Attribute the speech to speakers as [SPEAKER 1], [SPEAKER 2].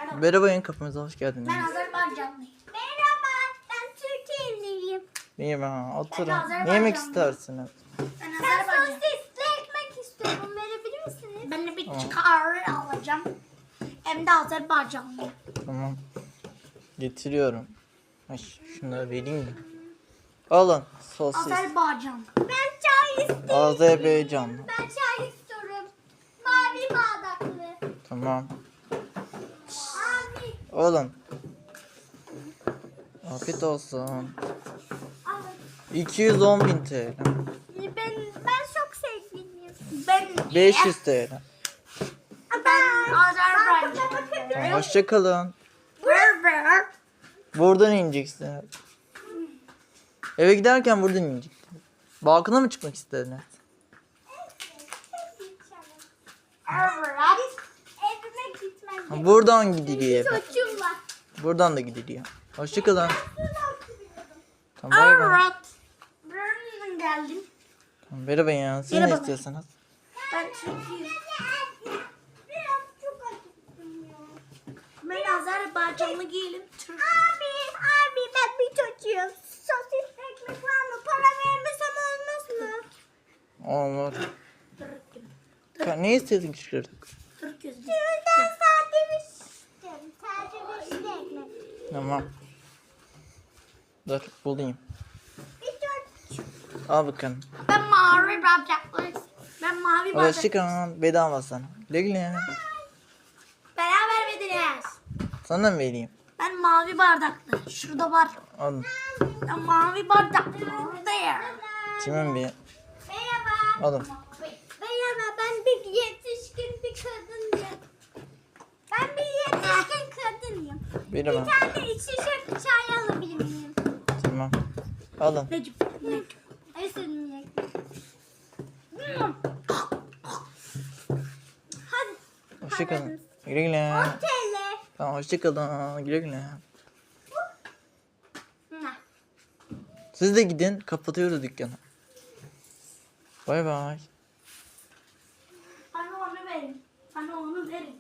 [SPEAKER 1] Merhaba, yeni kapımıza hoş geldiniz.
[SPEAKER 2] Ben Azerbaycanlıyım. Merhaba, ben Türkiye'liyim.
[SPEAKER 1] Merhaba, oturun.
[SPEAKER 2] Azerbaycanlıyım.
[SPEAKER 1] Ne yemek istersiniz?
[SPEAKER 2] Ben sosisli ekmek istiyorum. Verebilir misiniz? Ben de bir kahve alacağım. Hem de Azerbaycanlıyım.
[SPEAKER 1] Tamam. Getiriyorum. Ay, şunları vereyim mi? Alın, sosis.
[SPEAKER 2] Azerbaycan. Ben çay istiyorum.
[SPEAKER 1] Azerbaycanlı.
[SPEAKER 2] Ben çay istiyorum. Mavi bardaklı.
[SPEAKER 1] Tamam.
[SPEAKER 2] Abi.
[SPEAKER 1] Alın. Afiyet olsun.
[SPEAKER 2] Alın.
[SPEAKER 1] 210.000 TL.
[SPEAKER 2] Ben çok sevgiliyim. Ben
[SPEAKER 1] 500 TL.
[SPEAKER 2] Ben Azerbaycanlıyım.
[SPEAKER 1] Hoşça kalın.
[SPEAKER 2] Berber.
[SPEAKER 1] Buradan ineceksiniz. Eve giderken buradan ineceksiniz. Balkona mı çıkmak istediniz?
[SPEAKER 2] Evet. Evime gitmem.
[SPEAKER 1] Buradan gidiliyor eve.
[SPEAKER 2] Çocuğum var.
[SPEAKER 1] Buradan da gidiliyor. Hoşça kalın. Tamam, bay bay.
[SPEAKER 2] Evet. Birmingham geldim.
[SPEAKER 1] Tamam, merhaba ya. Siz ne
[SPEAKER 2] Merhaba.
[SPEAKER 1] istiyorsunuz?
[SPEAKER 2] Ben Türkiye'yim. Biraz çok acıktım ya. Ben Azerbaycanlı değilim. Türk. Abi ben bir çocuğum. Sosis ekmek var mı? Para vermesem olmaz mı?
[SPEAKER 1] Olur.
[SPEAKER 2] Türk'üm.
[SPEAKER 1] Ne istedin çocuk?
[SPEAKER 2] Türk'üz biz. Şuradan sade bir istedim. Sade bir ekmek.
[SPEAKER 1] Tamam. Dur bulayım.
[SPEAKER 2] Bir çocuk.
[SPEAKER 1] Al bakalım.
[SPEAKER 2] Ben mavi bardaklı. Ben mavi
[SPEAKER 1] Hoşça
[SPEAKER 2] bardaklı.
[SPEAKER 1] kalın. Bedava sana. Güle güle.
[SPEAKER 2] Beraber verdiniz.
[SPEAKER 1] Sana mı vereyim?
[SPEAKER 2] Ben mavi bardaklı. Şurada var.
[SPEAKER 1] Alın.
[SPEAKER 2] Ben mavi bardaklı. Orada ya.
[SPEAKER 1] Kimin bir?
[SPEAKER 2] Merhaba.
[SPEAKER 1] Alın.
[SPEAKER 2] Merhaba, ben bir yetişkin bir kadınım. Ben bir yetişkin kadınım.
[SPEAKER 1] Merhaba.
[SPEAKER 2] Bir tane içecek çay alabilir miyim?
[SPEAKER 1] Tamam. Alın.
[SPEAKER 2] Necip. Esin Hadi.
[SPEAKER 1] Hoşça kalın. Güle güle.
[SPEAKER 2] Otele.
[SPEAKER 1] Tamam, hoşça kalın. Güle güle. Siz de gidin. Kapatıyoruz dükkanı. Bay bay.
[SPEAKER 2] Bana onu verin. Bana onu verin.